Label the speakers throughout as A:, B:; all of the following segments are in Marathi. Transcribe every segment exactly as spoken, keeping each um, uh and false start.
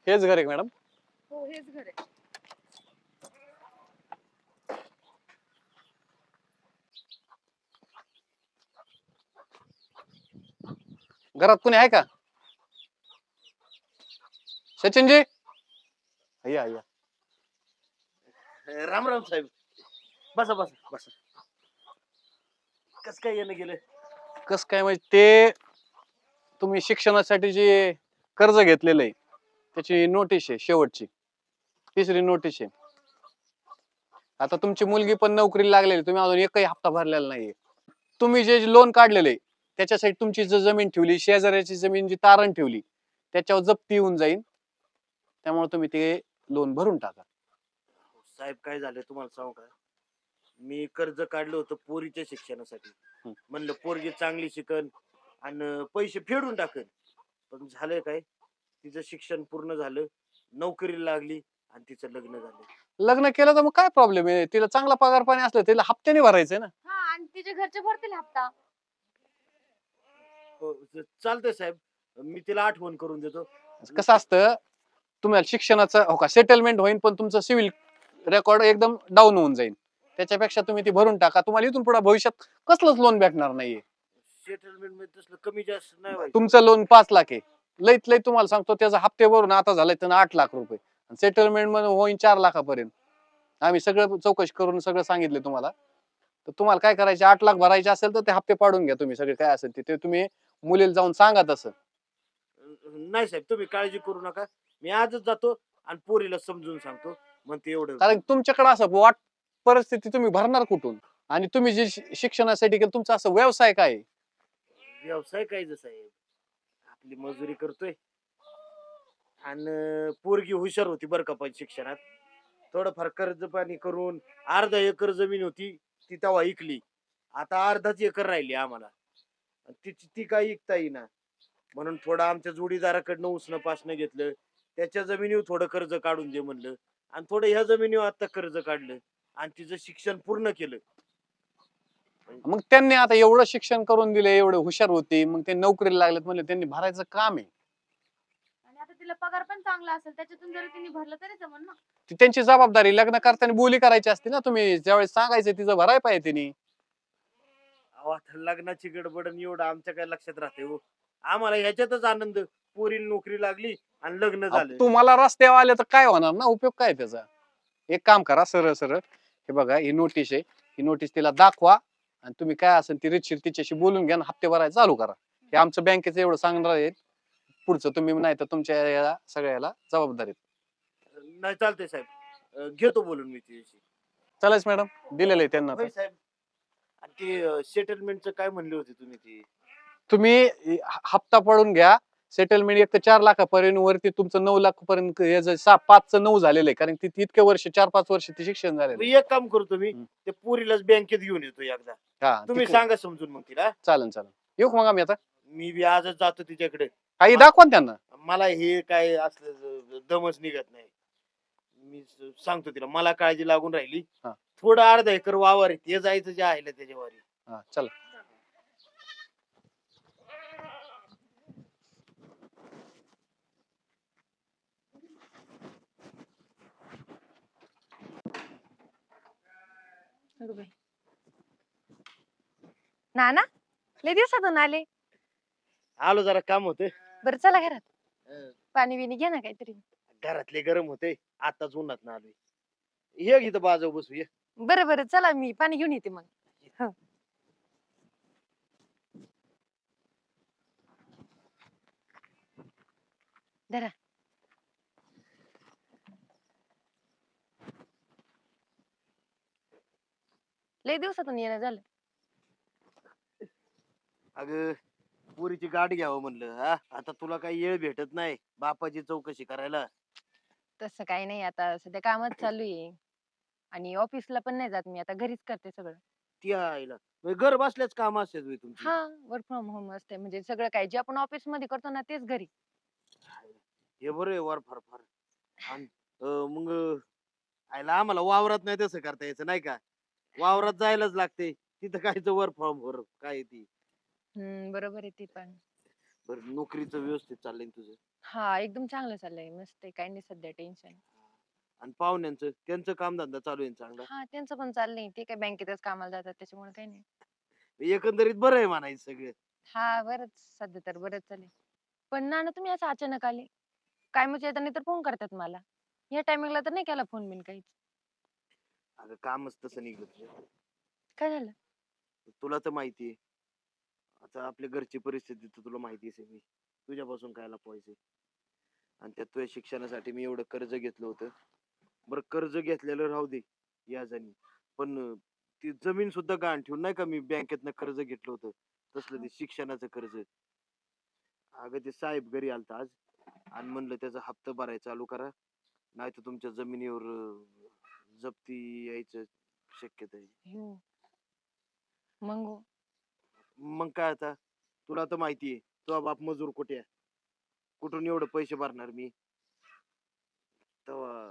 A: हेच घर आहे मॅडम?
B: हो हेच घर आहे.
A: घरात कोणी आहे का? सचिनजी, या या.
C: राम राम साहेब. बसा बसा बसा. कस काय येणं गेलं?
A: कस काय म्हणजे ते तुम्ही शिक्षणासाठी जे कर्ज घेतलेलं आहे त्याची नोटीस आहे, शेवटची तिसरी नोटीस आहे. आता तुमची मुलगी पण नोकरीला लागलेली, तुम्ही अजून एकही हप्ता भरलेला नाहीये. तुम्ही जे लोन काढलेले त्याच्यासाठी तुमची जी जमीन ठेवली, शेजाऱ्याची जमीन जी तारण ठेवली त्याच्यावर जप्ती येऊन जाईल. त्यामुळे तुम्ही ते लोन भरून टाका.
C: साहेब काय झालं तुम्हाला सांगू का? मी कर्ज काढलं होतं पोरीच्या शिक्षणासाठी.
A: हं.
C: म्हणलं पोरगी चांगली शिकन आणि पैसे फेडून टाकन. पण झालंय काय, तिचं शिक्षण पूर्ण झालं, नोकरीला लागली आणि तिचं लग्न झालं.
A: लग्न केलं तर मग काय प्रॉब्लेम आहे? तिला चांगला पगार पाणी असलं तिला हप्त्याने भरायचंय ना.
B: हा आणि तिचे घरचे भरतील हप्ता.
C: हो, च- चालतंय साहेब, मी तिला आठवण करून देतो.
A: कसं असतं, तुम्हाला शिक्षणाचं हो का सेटलमेंट होईल, पण तुमचं सिव्हिल रेकॉर्ड एकदम डाऊन होऊन जाईल. त्याच्यापेक्षा तुम्ही ती भरून टाका. तुम्हाला इथून पुढे भविष्यात कसलंच लोन भेटणार नाहीये.
C: सेटलमेंट मध्ये तसलं कमी जास्त नाही व्हायचं.
A: तुमचं लोन पाच लाख आहे, लईत लई तुम्हाला सांगतो त्याचा हप्ते भरून आता झालाय त्यानं आठ लाख रुपये. सेटलमेंट मध्ये होईन चार लाखापर्यंत. आम्ही सगळं चौकशी करून सगळं सांगितले तुम्हाला. तर तुम्हाला काय करायचे, आठ लाख भरायचे असेल तर ते हप्ते पाडून घ्या तुम्ही सगळे, काय असेल ते ते तुम्ही मुलीला जाऊन सांगा तसं.
C: नाही साहेब, तुम्ही काळजी करू नका. मी आजच जातो आणि पोरीला समजून सांगतो. म्हणते एवढं
A: कारण तुमच्याकडे असं वाट परिस्थिती तुम्ही भरणार कुठून? आणि तुम्ही जे शि- शिक्षणासाठी केलं तुमचा असं व्यवसाय काय आहे?
C: व्यवसाय काय जसा आहे, आपली मजुरी करतोय आणि पोरगी हुशार होती बरं का, पण शिक्षणात थोडंफार कर्ज पाणी करून अर्धा एकर जमीन होती ती तेव्हा इकली. आता अर्धाच एकर राहिली आम्हाला. आणि तिची ती काही इकता येईना, म्हणून थोडं आमच्या जोडीदाराकडनं उसनं पासनं घेतलं. त्याच्या जमिनीवर थोडं कर्ज काढून दे म्हणलं आणि थोडं ह्या जमिनीवर आता कर्ज काढलं आणि तिचं शिक्षण पूर्ण केलं.
A: मग त्यांनी आता एवढं शिक्षण करून दिले, एवढे हुशार होते, मग ते नोकरीला लागलेत म्हणजे त्यांनी भरायचं काम आहे.
B: आणि आता तिला पगार पण चांगला असेल, त्याच्यातून जरी तिने भरलं तरी जमन ना.
A: ती त्यांची जबाबदारी. लग्न करताना बोली करायची असते ना, तुम्ही ज्यावेळेस सांगायचं तिचं भराय पाहिजे त्यांनी.
C: अहो, आता लग्नाची गडबड आणि एवढं आमच्या काय लक्षात राहते हो. आम्हाला ह्याच्यातच आनंद, पोरीला नोकरी लागली आणि लग्न
A: अहो,
C: झालं.
A: तुम्हाला रस्त्यावर आले तर काय होणार ना, उपयोग काय त्याचा? एक काम करा, सरळ सरळ हे बघा, ही नोटीस आहे, ही नोटीस तिला दाखवा आणि तुम्ही काय असेल ती रीतशीर तिच्याशी बोलून घ्या आणि हप्ते भरायला चालू करा. हे आमचं बँकेचं एवढं सांगणार आहे. पुढचं तुम्ही नाही तर तुमच्या या सगळ्याला जबाबदारी.
C: नाही चालतंय साहेब, अं, घेतो बोलून मी तिच्याशी.
A: चालेल मॅडम, दिलेलं आहे त्यांना.
C: होय साहेब. आणि ते सेटलमेंटचं काय म्हणले होते तुम्ही? ते
A: तुम्ही ह- हप्ता पडून घ्या. सेटलमेंट एक तर चार लाखापर्यंत वरती तुमचं नऊ लाख पर्यंत याचं सहा पाचचं नऊ झालेलं आहे, कारण ती इतके वर्ष चार पाच वर्ष ते शिक्षण झालेलं
C: मी
A: आहे.
C: एक काम करतो, मी
A: हं.
C: ते पोरीलाच बँकेत घेऊन येतो एकदा.
A: हा
C: तुम्ही
A: ती-
C: सांगा समजून मग तिला.
A: चालेल चालेल, येऊ का मग आम्ही आता?
C: मी बी आजच जातो तिच्याकडे.
A: आई दाखवा ना त्यांना.
C: मला हे काय असलं दमच निघत नाही. मी स- सांगतो तिला, मला काळजी लागून राहिली.
A: हा.
C: थोडं अर्धा एकर वावर आहे, ते जायचं जे आहे ना त्याच्यावर.
A: हा चला.
B: नाना, लय दिवसातून आले.
C: आलो, जरा काम होते.
B: बरं चला घरात, पाणी बिणी घ्या ना काहीतरी.
C: घरातले गरम होते, आताच उन्हात ना आलोय. हे इथं बाजू बसू ये.
B: बरं बरं चला, मी पाणी घेऊन येते मग. हो. धरा. लय दिवसातून येणं झालं.
C: अगं, पुरीची गाठ घ्यावं म्हणलं. हा, आता तुला काही येळ भेटत नाही बापाची चौकशी करायला.
B: तसं काही नाही, आता सध्या कामच चालू आहे आणि ऑफिसला पण नाही जात मी, आता घरीच करते सगळं.
C: ती आईला म्हणजे घर बसल्याच काम असतात होय तुमची?
B: हा, वर्क फ्रॉम होम असते, म्हणजे सगळं काय जे आपण ऑफिस मध्ये करतो ना तेच घरी.
C: हे बरं आहे, वर फार फार. आणि अं, मग आईला आम्हाला वावरात नाही तसं करता यायचं नाही का? वावरात जायलाच लागते. तिथं कायचं वर फॉर्म वर काय ती.
B: हम्म, बरोबर आहे ते पण.
C: बरं नोकरीचं व्यवस्थित चाललंय ना तुझं?
B: हा एकदम चांगलं चाललंय, मस्त आहे, काही नाही सध्या टेन्शन.
C: आणि पाहुण्यांचं त्यांचं कामधंदा चालू आहे ना चांगला?
B: हा त्यांचं पण चाललंय, ते काय बँकेतच कामाला जातात त्याच्यामुळे काही नाही.
C: एकंदरीत बरं आहे म्हणायचं सगळं.
B: हा बरंच सध्या तर बरंच चालेल. पण नाना तुम्ही असं अचानक आले, काय म्हणजे येताना तर फोन करतात मला, या टायमिंगला तर नाही केला फोन बिन काहीच.
C: अगं कामच तसं निघलं तुझं.
B: काय झालं?
C: तुला तर माहिती आहे. आता आपल्या घरची परिस्थिती तर तुला माहिती आहे सगळी. तुझ्यापासून काय लपवायचं? आणि त्यात तुझ्या शिक्षणासाठी मी एवढं कर्ज घेतलं होतं. बरं कर्ज घेतलेलं राहू दे व्याजाने. पण अं, ती जमीन सुद्धा गहाण ठेवून नाही का मी बँकेतनं कर्ज घेतलं होतं. तसलं ते शिक्षणाचं कर्ज. अगं ते साहेब घरी आलता आज आणि म्हणलं त्याचा हप्ता भरायला चालू करा. नाहीतर तुमच्या जमिनीवर अं, जप्ती यायचं शक्यता आहे.
B: हो. मग हो.
C: मग काय आता तुला तर माहिती आहे तुझा बाप मजूर कुठे आहे? कुठून एवढे पैसे भरणार मी? तेव्हा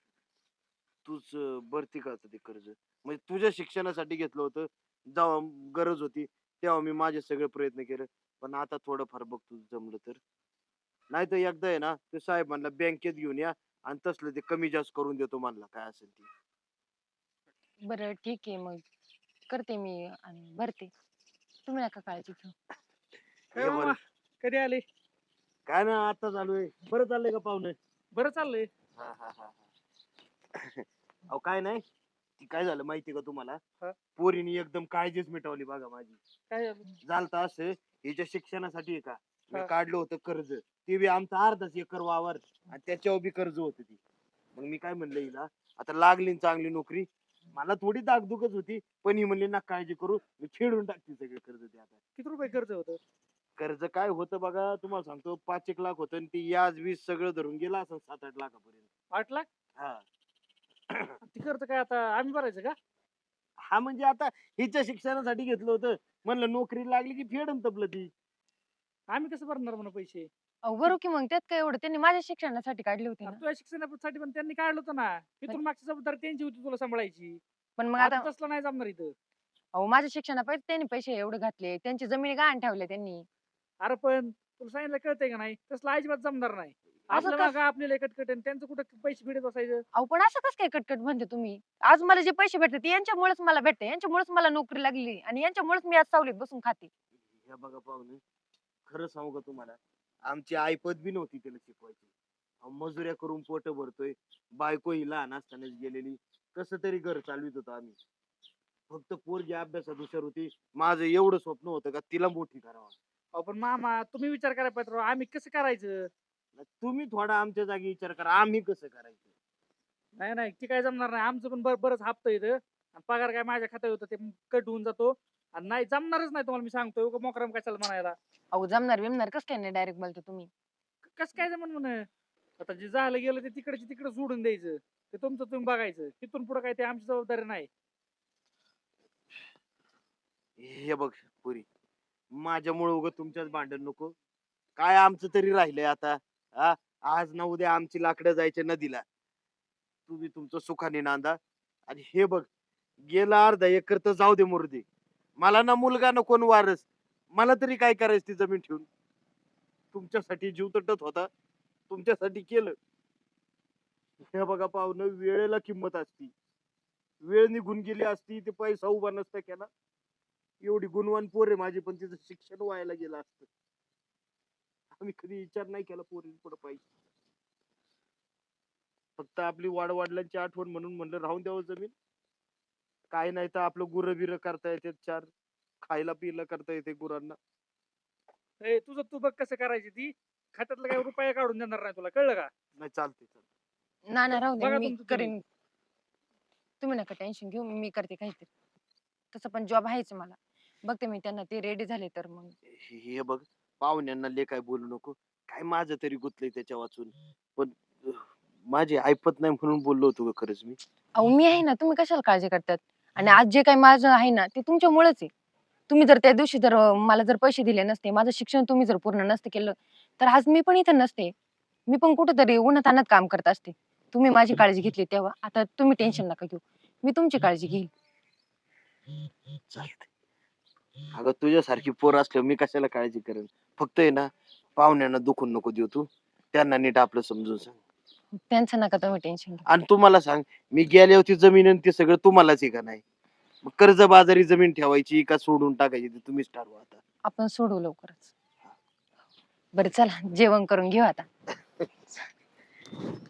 C: तूच अं, भरती का आता ते कर्ज? म्हणजे तुझ्या शिक्षणासाठी घेतलं होतं. जेव्हा गरज होती तेव्हा मी माझे सगळे प्रयत्न केले. पण आता थोडंफार बघ तुझं जमलं तर. नाहीतर एकदा आहे ना ते साहेब म्हणला बँकेत घेऊन या आणि तसलं ते कमी जास्त करून देतो म्हणला काय असेल ते.
B: बरं ठीक आहे मग, करते मी आणि भरते, तुम्ही नका काळजी घेऊ.
D: काय
C: हे
D: मामा,
C: बरं
D: कधी आले?
C: काय ना आता चालू आहे. बरं चाललंय का पाहुणे?
D: बरं चाललंय.
C: हा हा हा हा. अहो काय नाही ती काय झालं माहिती का तुम्हाला?
D: हा.
C: पोरीने एकदम काळजीच मिटवली बघा माझी.
D: काय झालं?
C: झालत असं हिच्या शिक्षणासाठी आहे का मी
D: हा.
C: काढलं होतं कर्ज. ते बी आमचा अर्धाच एकर वावर आणि त्याच्यावर बी कर्ज होत ती. मग मी काय म्हणलं हिला आता लागली ना चांगली नोकरी. मला थोडी दागदुखच होती पण ही म्हणली ना काळजी करू मी फेडून टाकते सगळे कर्ज ते आता.
D: किती रुपये कर्ज होतं?
C: कर्ज काय होतं बघा तुम्हाला सांगतो पाच एक लाख होतं आणि ते याज वीज सगळं धरून गेला असं सात आठ लाखापर्यंत.
D: आठ लाख?
C: हा.
D: ती कर्ज काय आता आम्ही भरायचं का?
C: हा म्हणजे आता हिच्या शिक्षणासाठी घेतलं होतं. म्हणलं नोकरी लागली की फेडन तपलं ती.
D: आम्ही कसं भरणार म्हणा पैसे?
B: अहो बरं की मग त्यात काय एवढं, त्यांनी माझ्या शिक्षणासाठी काढली होती ना.
D: तुझ्या शिक्षणासाठी पण त्यांनी काढलं होतं ना. इथून मागची जबाबदारी त्यांची होती तुला सांभाळायची.
B: पण मग
D: आता
B: आता
D: तसलं नाही जमणार इथं.
B: अहो माझ्या शिक्षणापायी त्यांनी पैसे एवढे घातले, त्यांची जमिनी गहाण ठेवल्या त्यांनी.
D: अरे पण तुला सांगितलं कळतंय का नाही? तसलं अजिबात जमणार नाही.
B: असं
D: आपलं
B: कस-
D: मागं आपल्याला कटकट आणि त्यांचं कुठं पैसे फिडत बसायचं?
B: अहो पण असं कसं काय कटकट म्हणते तुम्ही? आज मला जे पैसे भेटते ते यांच्यामुळेच मला भेटते, यांच्यामुळेच मला नोकरी लागली आणि यांच्यामुळेच मी आज सावलीत बसून खाते.
C: हे बघा पाहुणे खरं सांगू का तुम्हाला आमची आईपत बी नव्हती त्याला शिकवायची. अहो, मजुऱ्या करून पोट भरतोय. बायको ही लहान असतानाच गेलेली. कसं तरी घर चालवित होतो आम्ही. फक्त पोरगी अभ्यासात हुशार होती. माझं एवढं स्वप्न होतं का तिला मोठी करावं.
D: अहो पण मामा तुम्ही विचार करायला पाहिजे राव. आम्ही कसं करायचं?
C: तुम्ही थोडा आमच्या जागी विचार करा आम्ही कसं करायचं.
D: नाही नाही ती काय जमणार नाही. आमचं पण बर बरंच हप्ता येतं आणि पगार काय माझ्या खात्यात होतं ते कट होऊन जातो आणि नाही जमणारच नाही तुम्हाला मी सांगतोय उगा मोकराम कशाला म्हणायला.
B: अहो जमणार बिमणार कसं काय नाही डायरेक्ट बोलतो तुम्ही.
D: कसं काय जमन म्हण आता जे झालं गेलं ते तिकडचे तिकडे सोडून द्यायचं. ते तुमचं तुम्ही बघायचं. तिथून पुढे काय ते आमची जबाबदारी नाही.
C: हे बघ पुरी माझ्यामुळे उगं तुमच्याच भांडण नको. काय आमचं तरी राहिलंय आता. हा आज ना उद्या आमची लाकडं जायचे नदीला. तुम्ही तुमचं सुखाने नांदा. आणि हे बघ गेला अर्धा एकर तर जाऊ दे मुर्दे. मला ना मुलगा ना कोण वारस. मला तरी काय करायचं ती जमीन ठेवून. तुमच्यासाठी जीव तटत होता. तुमच्यासाठी केलं. हे बघा पाहुणं वेळेला किंमत असती. वेळ निघून गेली असती ते पैसा उभा नसता केला. एवढी गुणवान पोर आहे माझी पण तिचं शिक्षण व्हायला गेलं असतं. आम्ही कधी विचार नाही केला पोरी पुढे पाहिजे. फक्त आपली वाडवडिलांची आठवण म्हणून म्हणलं राहून द्यावं जमीन. काय नाही तर आपलं गुरं बिरं करता येते चार. खायला पियला करता येते गुरांना.
D: ए, तुझं तू बघ कसं करायची ती. खात्यातलं काय रुपया काढून देणार नाही तुला कळलं का?
C: नाही चालते चालते.
B: ना ना राहू दे,
D: बघा
B: मी
D: तुमचं तुम्ही.
B: करीन. तुम्ही नका टेन्शन घेऊ, मी करते काहीतरी. तसं पण जॉब आहेच मला. बघते मी त्यांना, ते रेडी झाले तर मग.
C: हे बघ पाहुण्यांना ले काय बोलू नको. काय माझं तरी गुतलंय त्याच्या वाचून. पण अह, माझी ऐपत नाही म्हणून बोललो होतो ग खरंच मी.
B: अहो मी आहे ना, तुम्ही कशाला काळजी करतात? आणि आज जे काही माझं आहे ना ते तुमच्यामुळेच आहे. तुम्ही जर त्या दिवशी जर अं, मला जर पैसे दिले नसते, माझं शिक्षण तुम्ही जर पूर्ण नसते केलं, तर आज मी पण इथं नसते. मी पण कुठेतरी उन्हातान्हात काम करत असते. तुम्ही माझी काळजी घेतली तेव्हा. आता तुम्ही टेन्शन नका घेऊ, मी तुमची काळजी घेईल.
C: चालतंय. अगं तुझ्यासारखी पोर असल्यावर मी कशाला काळजी करेन. फक्त आहे ना पाहुण्यांना दुखून नको देऊ तू. त्यांना नीट आपलं समजून सांग.
B: त्यांचं नका तुम्ही टेन्शन घेऊ.
C: आणि तू मला सांग, मी गेल्यावर ती जमीन आणि ते सगळं तुम्हालाच आहे का नाही? मग कर्जबाजारी जमीन ठेवायची का सोडून टाकायची ते तुम्हीच ठरवा आता.
B: आपण सोडू लवकरच. बरं चला जेवण करून घेऊ आता.